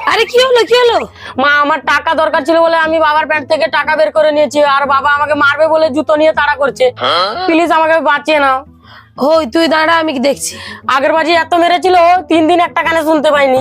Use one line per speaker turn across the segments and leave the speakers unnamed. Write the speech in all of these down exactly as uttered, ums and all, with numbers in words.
আরে কি হলো কি হলো?
মা আমার টাকা দরকার ছিল বলে আমি বাবার প্যান্ট থেকে টাকা বের করে নিয়েছি, আর বাবা আমাকে মারবে বলে জুতো নিয়ে তাড়া করছে। প্লিজ আমাকে বাঁচিয়ে নাও।
ওই তুই দাঁড়া, আমি কি দেখছি।
আগের বাজি এত মেরেছিল, তিন দিন একটা কানে শুনতে পাইনি।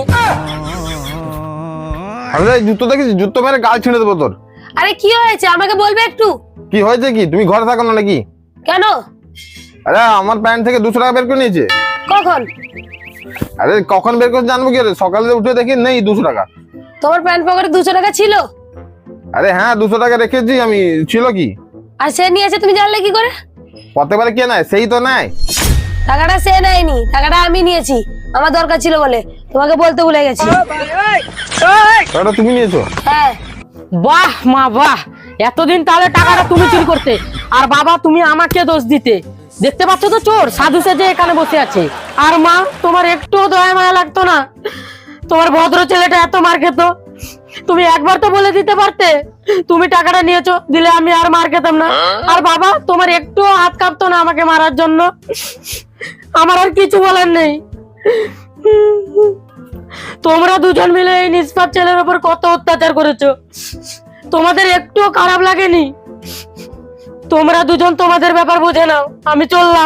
আরে জুতো দেখিস, জুতো মেরে গাল ছিঁড়ে দেবো তোর।
আরে কি হয়েছে আমাকে বলবে একটু?
কি হয়েছে কি? তুমি ঘরে থাকো না নাকি?
কেন?
আরে আমার প্যান্ট থেকে দুশো টাকা বের করে নিয়েছে।
কখন?
আরে কখন বের করে জানবো কি? সকালে উঠে দেখি নেই দুশো টাকা।
তোমার প্যান্ট পকেটে দুশো টাকা ছিল?
আরে হ্যাঁ, দুশো টাকা রেখেছি আমি। ছিল কি?
আর সে নিয়েছে তুমি জানলে কি করে?
প্রত্যেকবারে কে নেয়? সেই তো নেয়।
টাকাটা সে নেয়নি, টাকাটা আমি নিয়েছি, আমার দরকার ছিল বলে। তোমাকে বলতে ভুলে গেছি।
টাকাটা তুমি নিয়েছো?
হ্যাঁ।
বাহ মা বাহ, এতদিন তাহলে টাকাটা তুমি চুরি করতে, আর বাবা তুমি আমাকে দোষ দিতে। দেখতে পাচ্ছ তো চোর সাধু সেজে এখানে বসে আছে। আর মা তোমার একটু দয়া মায়া লাগতো না? তোমার ভদ্র ছেলেটা এত মার খেত, তুমি একবার তো বলে দিতে পারতে তুমি টাকাটা নিয়েছো, দিলে আমি আর মার খেতাম না। আর বাবা তোমার একটু হাত কাঁপতো না আমাকে মারার জন্য? আমার আর কিছু বলার নেই। তোমরা দুজন মিলে এই নিষ্পাপ ছেলের উপর কত অত্যাচার করেছো, তোমাদের একটুও খারাপ লাগেনি? তোমরা দুজন তোমাদের ব্যাপার বুঝে নাও, আমি চললাম।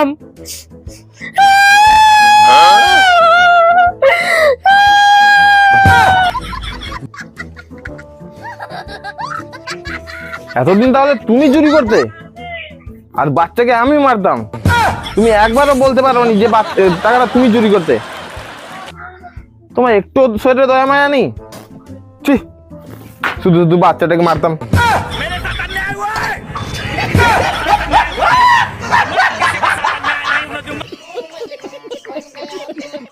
এতদিন তাহলে তুমি চুরি করতে আর বাচ্চাকে আমি মারতাম? তুমি একবারও বলতে পারো নি যে টাকাটা তুমি চুরি করতে? তোমার একটু শরীরে দয়া মায়া নেই? শুধু শুধু বাচ্চাটাকে মারতাম।